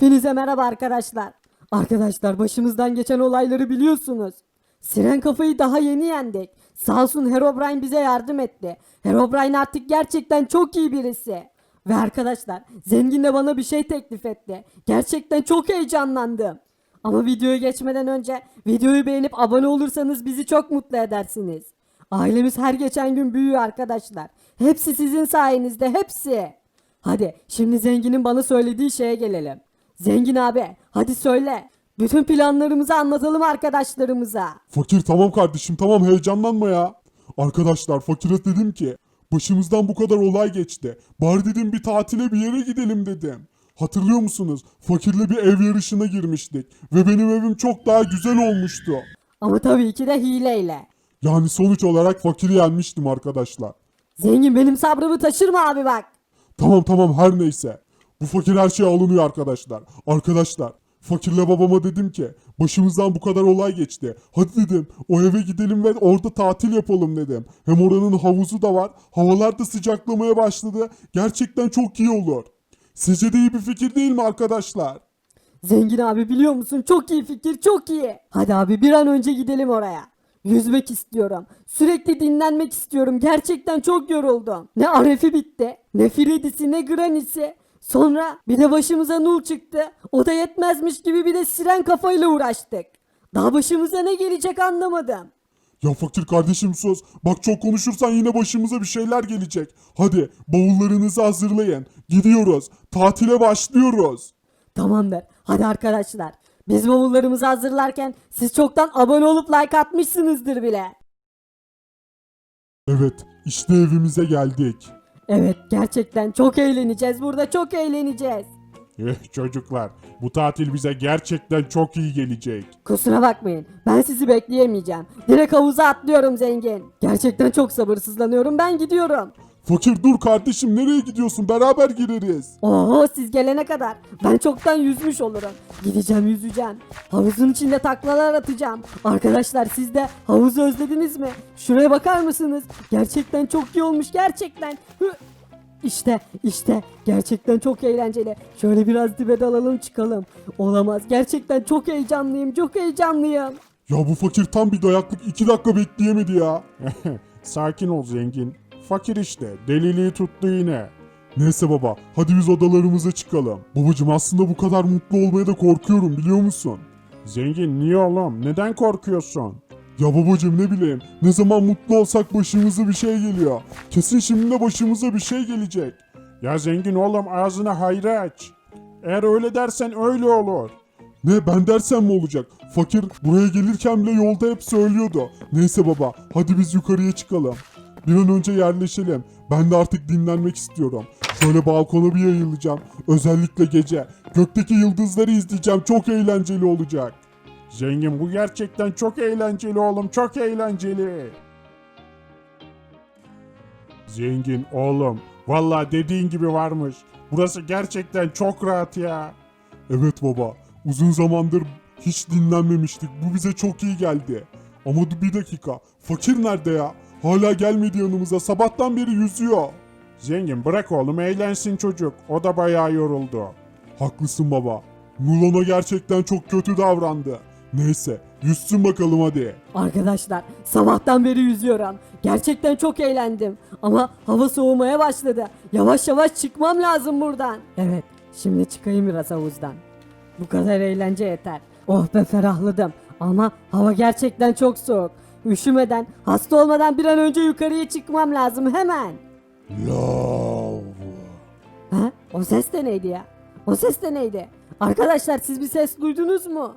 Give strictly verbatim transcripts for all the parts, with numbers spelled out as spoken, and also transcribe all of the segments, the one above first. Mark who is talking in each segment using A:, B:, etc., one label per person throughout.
A: Hepinize merhaba arkadaşlar. Arkadaşlar başımızdan geçen olayları biliyorsunuz. Siren kafayı daha yeni yendik. Sağ olsun Herobrine bize yardım etti. Herobrine artık gerçekten çok iyi birisi. Ve arkadaşlar zengin de bana bir şey teklif etti. Gerçekten çok heyecanlandım. Ama videoya geçmeden önce videoyu beğenip abone olursanız bizi çok mutlu edersiniz. Ailemiz her geçen gün büyüyor arkadaşlar. Hepsi sizin sayenizde, hepsi. Hadi şimdi zenginin bana söylediği şeye gelelim. Zengin abi hadi söyle. Bütün planlarımızı anlatalım arkadaşlarımıza.
B: Fakir tamam kardeşim tamam heyecanlanma ya. Arkadaşlar fakire dedim ki başımızdan bu kadar olay geçti. Bari dedim bir tatile bir yere gidelim dedim. Hatırlıyor musunuz? Fakirle bir ev yarışına girmiştik. Ve benim evim çok daha güzel olmuştu.
A: Ama tabii ki de hileyle.
B: Yani sonuç olarak fakiri yenmiştim arkadaşlar.
A: Zengin benim sabrımı taşırma abi bak.
B: Tamam tamam her neyse. Bu fakir her şeye alınıyor arkadaşlar. Arkadaşlar fakirle babama dedim ki başımızdan bu kadar olay geçti. Hadi dedim o eve gidelim ve orada tatil yapalım dedim. Hem oranın havuzu da var. Havalar da sıcaklamaya başladı. Gerçekten çok iyi olur. Sizce de iyi bir fikir değil mi arkadaşlar?
A: Zengin abi biliyor musun çok iyi fikir çok iyi. Hadi abi bir an önce gidelim oraya. Yüzmek istiyorum. Sürekli dinlenmek istiyorum. Gerçekten çok yoruldum. Ne Aref'i bitti, ne Freddy'si, ne Granny'si. Sonra bir de başımıza Nul çıktı. O da yetmezmiş gibi bir de siren kafayla uğraştık. Daha başımıza ne gelecek anlamadım.
B: Ya fakir kardeşim sus. Bak çok konuşursan yine başımıza bir şeyler gelecek. Hadi bavullarınızı hazırlayın. Gidiyoruz. Tatile başlıyoruz.
A: Tamamdır. Hadi arkadaşlar. Biz bavullarımızı hazırlarken siz çoktan abone olup like atmışsınızdır bile.
B: Evet işte evimize geldik.
A: Evet gerçekten çok eğleneceğiz. Burada çok eğleneceğiz.
B: Eh çocuklar, bu tatil bize gerçekten çok iyi gelecek.
A: Kusura bakmayın. Ben sizi bekleyemeyeceğim. Direkt havuza atlıyorum zengin. Gerçekten çok sabırsızlanıyorum. Ben gidiyorum.
B: Fakir dur kardeşim nereye gidiyorsun? Beraber gireriz.
A: Oo siz gelene kadar ben çoktan yüzmüş olurum. Gideceğim yüzeceğim. Havuzun içinde taklalar atacağım. Arkadaşlar siz de havuzu özlediniz mi? Şuraya bakar mısınız? Gerçekten çok iyi olmuş gerçekten. Hı. İşte işte gerçekten çok eğlenceli. Şöyle biraz dibe dalalım çıkalım. Olamaz gerçekten çok heyecanlıyım çok heyecanlıyım.
B: Ya bu fakir tam bir dayaklık iki dakika bekleyemedi ya.
C: Sakin ol zengin. Fakir işte. Deliliği tuttu yine.
B: Neyse baba hadi biz odalarımıza çıkalım. Babacım aslında bu kadar mutlu olmaya da korkuyorum biliyor musun?
C: Zengin niye oğlum? Neden korkuyorsun?
B: Ya babacım ne bileyim ne zaman mutlu olsak başımıza bir şey geliyor. Kesin şimdi de başımıza bir şey gelecek.
C: Ya zengin oğlum ağzını hayra aç. Eğer öyle dersen öyle olur.
B: Ne ben dersem mi olacak? Fakir buraya gelirken bile yolda hep söylüyordu. Neyse baba hadi biz yukarıya çıkalım. Bir an önce yerleşelim. Ben de artık dinlenmek istiyorum. Şöyle balkona bir yayılacağım. Özellikle gece. Gökteki yıldızları izleyeceğim. Çok eğlenceli olacak.
C: Zengin bu gerçekten çok eğlenceli oğlum. Çok eğlenceli. Zengin oğlum. Vallahi dediğin gibi varmış. Burası gerçekten çok rahat ya.
B: Evet baba. Uzun zamandır hiç dinlenmemiştik. Bu bize çok iyi geldi. Ama dur bir dakika. Fakir nerede ya? Hala gelmedi yanımıza. Sabahtan beri yüzüyor.
C: Zengin bırak oğlum eğlensin çocuk. O da bayağı yoruldu.
B: Haklısın baba. Nulon'a gerçekten çok kötü davrandı. Neyse yüzsün bakalım hadi.
A: Arkadaşlar sabahtan beri yüzüyorum. Gerçekten çok eğlendim. Ama hava soğumaya başladı. Yavaş yavaş çıkmam lazım buradan. Evet şimdi çıkayım biraz havuzdan. Bu kadar eğlence yeter. Oh be ferahladım. Ama hava gerçekten çok soğuk. Üşümeden, hasta olmadan bir an önce yukarıya çıkmam lazım hemen.
B: Love.
A: Ha? O ses de neydi ya? O ses de neydi? Arkadaşlar siz bir ses duydunuz mu?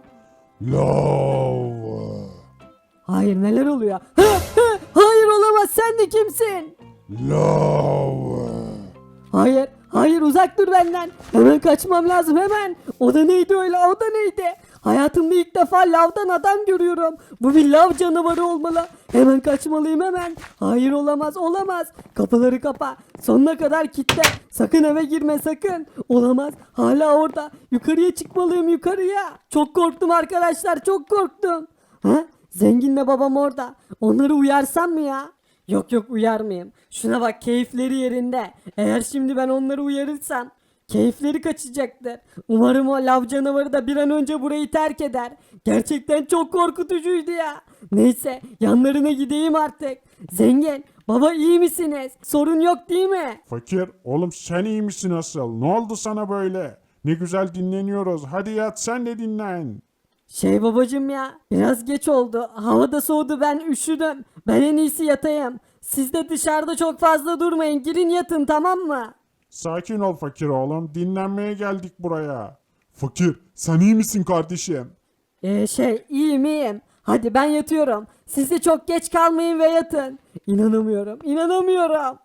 B: Love.
A: Hayır neler oluyor? Ha, ha, hayır olamaz sen de kimsin?
B: Love.
A: Hayır, hayır uzak dur benden. Hemen kaçmam lazım hemen. O da neydi öyle, o da neydi? Hayatımda ilk defa lavdan adam görüyorum. Bu bir lav canavarı olmalı. Hemen kaçmalıyım hemen. Hayır olamaz, olamaz. Kapıları kapa. Sonuna kadar kilitle. Sakın eve girme sakın. Olamaz. Hala orada. Yukarıya çıkmalıyım yukarıya. Çok korktum arkadaşlar, çok korktum. Ha? Zenginle babam orada. Onları uyarsam mı ya? Yok yok uyarmayayım. Şuna bak keyifleri yerinde. Eğer şimdi ben onları uyarırsam Keyifleri kaçacaktır. Umarım o lav canavarı da bir an önce burayı terk eder. Gerçekten çok korkutucuydu ya. Neyse yanlarına gideyim artık. Zengin, baba iyi misiniz? Sorun yok değil mi?
C: Fakir, oğlum sen iyi misin asıl? Ne oldu sana böyle? Ne güzel dinleniyoruz. Hadi yat sen de dinlen.
A: Şey babacım ya, biraz geç oldu. Hava da soğudu, ben üşüdüm. Ben en iyisi yatayım. Siz de dışarıda çok fazla durmayın. Girin yatın, tamam mı?
C: Sakin ol fakir oğlum. Dinlenmeye geldik buraya.
B: Fakir sen iyi misin kardeşim?
A: Ee, şey iyiyim iyiyim. Hadi ben yatıyorum. Siz de çok geç kalmayın ve yatın. İnanamıyorum, inanamıyorum.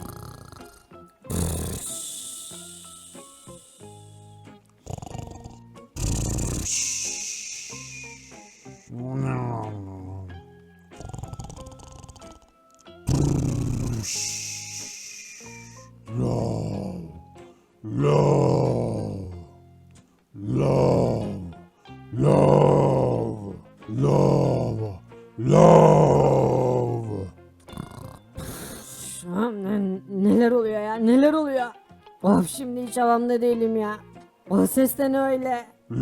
B: Love, love, love, love, love, love.
A: Şu an ne- neler oluyor ya, neler oluyor? Of, şimdi hiç havamda değilim ya. O ses de ne öyle?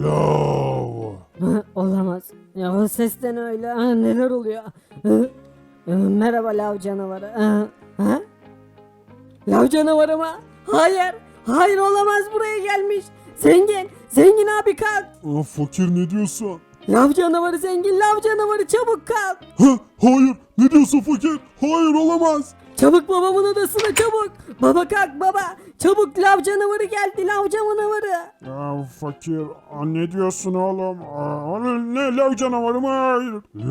B: Love.
A: Hı, olamaz. Ya o ses de ne öyle? Ha, neler oluyor? Hı? Hı, merhaba lav canavarı. Ha? Ha? Lav canavarı mı? Hayır. Hayır, olamaz, buraya gelmiş. Zengin. Zengin abi kalk.
B: Aa, fakir ne diyorsun?
A: Lav canavarı zengin. Lav canavarı çabuk kalk.
B: Ha, hayır ne diyorsun fakir? Hayır olamaz.
A: Çabuk babamın odasına çabuk. Baba kalk baba. Çabuk, lav canavarı geldi, lav canavarı.
C: Ya fakir, aa, ne diyorsun oğlum? Aa, ne lav canavarı mı? Hayır.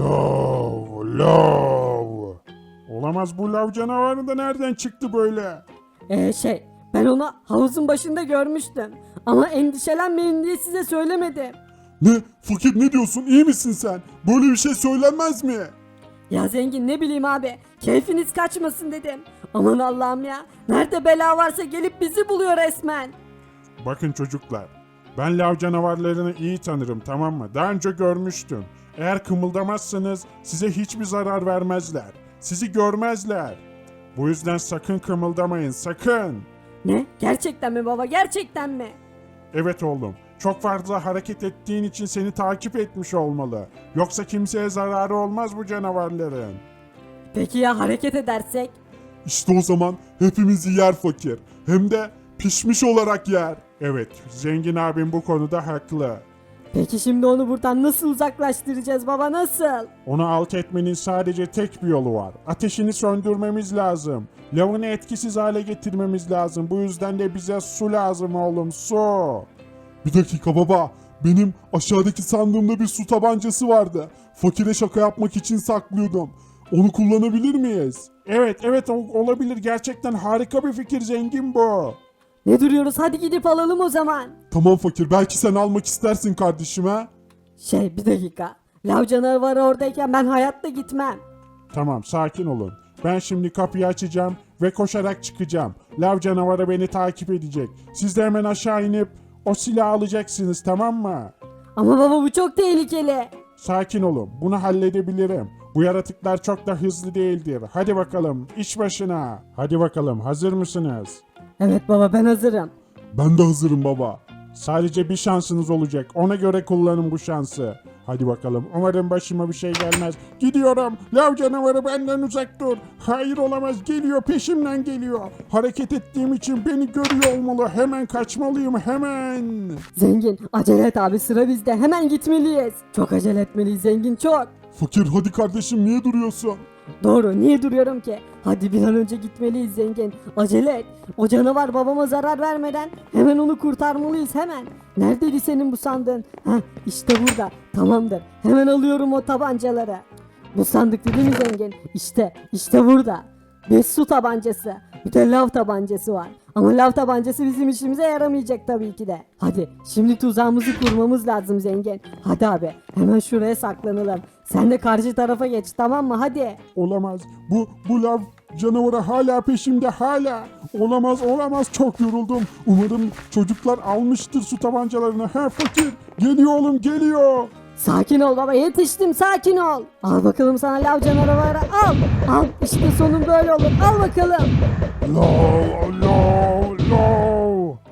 B: Love, love.
C: Olamaz, bu lav canavarı da nereden çıktı böyle?
A: Ee şey, ben onu havuzun başında görmüştüm. Ama endişelenmeyin diye size söylemedim.
B: Ne? Fakir ne diyorsun? İyi misin sen? Böyle bir şey söylenmez mi?
A: Ya zengin, ne bileyim abi, keyfiniz kaçmasın dedim. Aman Allah'ım ya, nerede bela varsa gelip bizi buluyor resmen.
C: Bakın çocuklar, ben lav canavarlarını iyi tanırım, tamam mı? Daha önce görmüştüm. Eğer kımıldamazsanız size hiçbir zarar vermezler. Sizi görmezler. Bu yüzden sakın kımıldamayın, sakın.
A: Ne? Gerçekten mi baba, gerçekten mi?
C: Evet oğlum, çok fazla hareket ettiğin için seni takip etmiş olmalı. Yoksa kimseye zararı olmaz bu canavarların.
A: Peki ya hareket edersek?
B: İşte o zaman hepimizi yer fakir. Hem de pişmiş olarak yer.
C: Evet, zengin abim bu konuda haklı.
A: Peki şimdi onu buradan nasıl uzaklaştıracağız baba, nasıl?
C: Onu alt etmenin sadece tek bir yolu var. Ateşini söndürmemiz lazım. Lavını etkisiz hale getirmemiz lazım. Bu yüzden de bize su lazım oğlum, su.
B: Bir dakika baba. Benim aşağıdaki sandığımda bir su tabancası vardı. Fakire şaka yapmak için saklıyordum. Onu kullanabilir miyiz?
C: Evet, evet o- olabilir. Gerçekten harika bir fikir, zengin bu.
A: Ne duruyoruz, hadi gidip alalım o zaman.
B: Tamam fakir. Belki sen almak istersin kardeşim ha?
A: Şey, bir dakika. Lav canavarı oradayken ben hayatta gitmem.
C: Tamam, sakin olun. Ben şimdi kapıyı açacağım ve koşarak çıkacağım. Lav canavarı beni takip edecek. Siz de hemen aşağı inip o silahı alacaksınız, tamam mı?
A: Ama baba bu çok tehlikeli.
C: Sakin olun. Bunu halledebilirim. Bu yaratıklar çok da hızlı değildir. Hadi bakalım, iş başına. Hadi bakalım, hazır mısınız?
A: Evet baba, ben hazırım.
B: Ben de hazırım baba.
C: Sadece bir şansınız olacak. Ona göre kullanın bu şansı. Hadi bakalım. Umarım başıma bir şey gelmez. Gidiyorum. Lav canavarı benden uzak dur. Hayır olamaz. Geliyor. Peşimden geliyor. Hareket ettiğim için beni görüyor olmalı. Hemen kaçmalıyım. Hemen.
A: Zengin, acele et abi, sıra bizde, hemen gitmeliyiz. Çok acele etmeliyiz zengin, çok.
B: Fakir hadi kardeşim niye duruyorsun?
A: Doğru, niye duruyorum ki? Hadi bir an önce gitmeliyiz zengin. Acele et. O canavar babama zarar vermeden hemen onu kurtarmalıyız, hemen. Neredeydi senin bu sandığın? Heh, işte burada. Tamamdır. Hemen alıyorum o tabancaları. Bu sandık değil mi zengin? İşte, işte burada. Bir su tabancası. Bir de lav tabancası var. Ama lav tabancası bizim işimize yaramayacak tabii ki de. Hadi şimdi tuzağımızı kurmamız lazım zengin. Hadi abi, hemen şuraya saklanalım. Sen de karşı tarafa geç, tamam mı? Hadi.
C: Olamaz. Bu, bu lav canavarı hala peşimde. Hala. Olamaz olamaz. Çok yoruldum. Umarım çocuklar almıştır su tabancalarını. Ha fakir. Geliyor oğlum geliyor.
A: Sakin ol baba, yetiştim, sakin ol. Al bakalım sana lav canavarı, al. Al, işte sonun böyle olur, al bakalım.
C: Lav, lav, lav.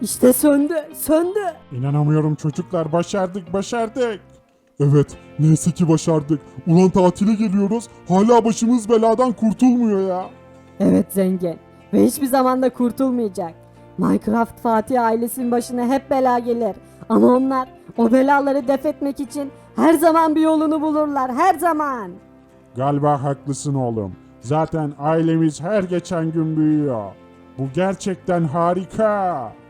A: İşte söndü, söndü.
C: İnanamıyorum çocuklar, başardık başardık.
B: Evet, neyse ki başardık. Ulan tatile geliyoruz, hala başımız beladan kurtulmuyor ya.
A: Evet zengin ve hiçbir zaman da kurtulmayacak. Minecraft Fatih ailesinin başına hep bela gelir. Ama onlar o belaları def etmek için her zaman bir yolunu bulurlar, her zaman.
C: Galiba haklısın oğlum. Zaten ailemiz her geçen gün büyüyor. Bu gerçekten harika.